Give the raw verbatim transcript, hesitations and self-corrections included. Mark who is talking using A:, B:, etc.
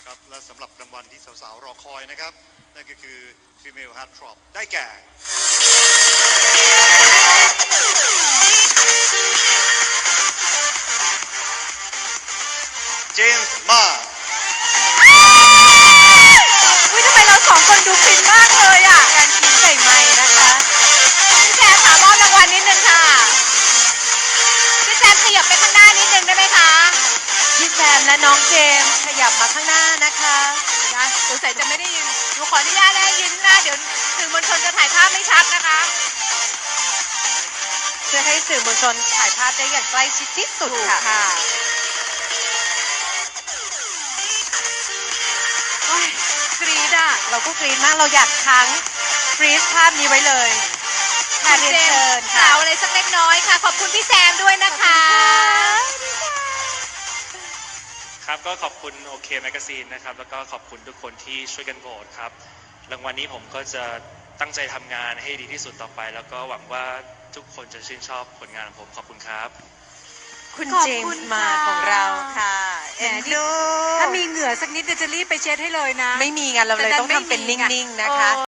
A: ครับและสำหรับรางวัลที่สาวๆรอคอยนะครับนั่นก็คือ Female Heartthrob ได้แก่เจมส์มา
B: อุ้ยทำไมเราสองคนดูฟินมากเลยอ่ะการคิดใส่ไม้นะคะพี่แจมถามมอบรางวัลนิดนึงค่ะพี่แจมขยับไปข้างหน้านิดนึงได้ไหมคะพี่แจมและน้องเจมขยับมาข้างหน้านะคะนะสงสัยจะไม่ได้ยินหนูขออนุญาตได้ยินนะเดี๋ยวสื่อมวลชนจะถ่ายภาพไม่ชัดนะคะเพื่อให้สื่อมวลชนถ่ายภาพได้อย่างใกล้ชิดที่สุดค่ะกรี๊ดอ่ะเราก็กรี๊ดมากเราอยากทั้งฟรีซภาพนี้ไว้เลยค่ะเรียนเชิญค่ะอะไรสักเล็กน้อยค่ะขอบคุณพี่แซมด้วยนะคะ
C: ครับก็ขอบคุณโอเคแมกซีนนะครับแล้วก็ขอบคุณทุกคนที่ช่วยกันโหวตครับรางวัลนี้ผมก็จะตั้งใจทำงานให้ดีที่สุดต่อไปแล้วก็หวังว่าทุกคนจะชื่นชอบผลงานของผมขอบคุณครับ
B: คุณเจมส์มาของเราค่ะเอ็นดู
D: ถ้ามีเหงื่อสักนิดจะรีบไปเช็ดให้เลยนะ
B: ไม่มีงานเราเลยต้องทำเป็นนิ่งๆนะคะ